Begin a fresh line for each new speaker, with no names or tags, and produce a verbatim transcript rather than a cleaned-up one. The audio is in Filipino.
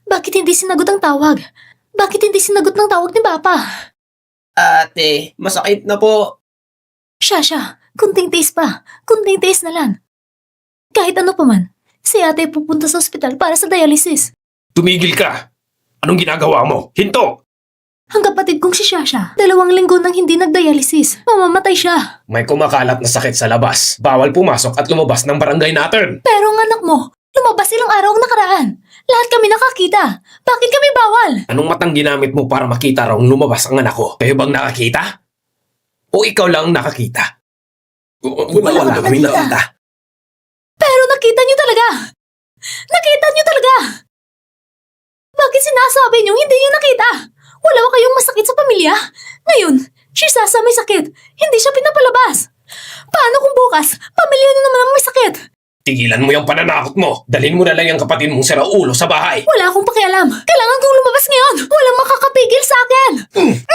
Bakit hindi sinagot ang tawag? Bakit hindi sinagot ng tawag ni Papa?
Ate, masakit na po.
Shasha, kunting tiis pa. Kunting tiis na lang. Kahit ano pa man, si ate pupunta sa ospital para sa dialysis.
Tumigil ka! Anong ginagawa mo? Hinto!
Ang kapatid kong si Shasha, dalawang linggo nang hindi nagdialysis. Mamamatay siya.
May kumakalat na sakit sa labas. Bawal pumasok at lumabas ng barangay natin.
Pero ang anak mo, lumabas ilang araw ang nakaraan. Lahat kami nakakita. Bakit kami bawal?
Anong matang ginamit mo para makita raw lumabas ang anak ko? Kayo bang nakakita? O ikaw lang nakakita?
Wala
Wala
kang
kami
nakita.
nakita.
Pero nakita niyo talaga. Nakita niyo talaga. Bakit sinasabi niyo hindi niyo nakita? Wala ba kayong masakit sa pamilya? Ngayon, si Sasa may sakit. Hindi siya pinapalabas. Paano kung bukas, pamilya niyo naman ang may sakit?
Tigilan mo yung pananakot mo. Dalhin mo na lang yung kapatid mong siraulo sa bahay.
Wala akong pakialam. Kailangan kong lumabas ngayon. Walang makakapigil sa akin.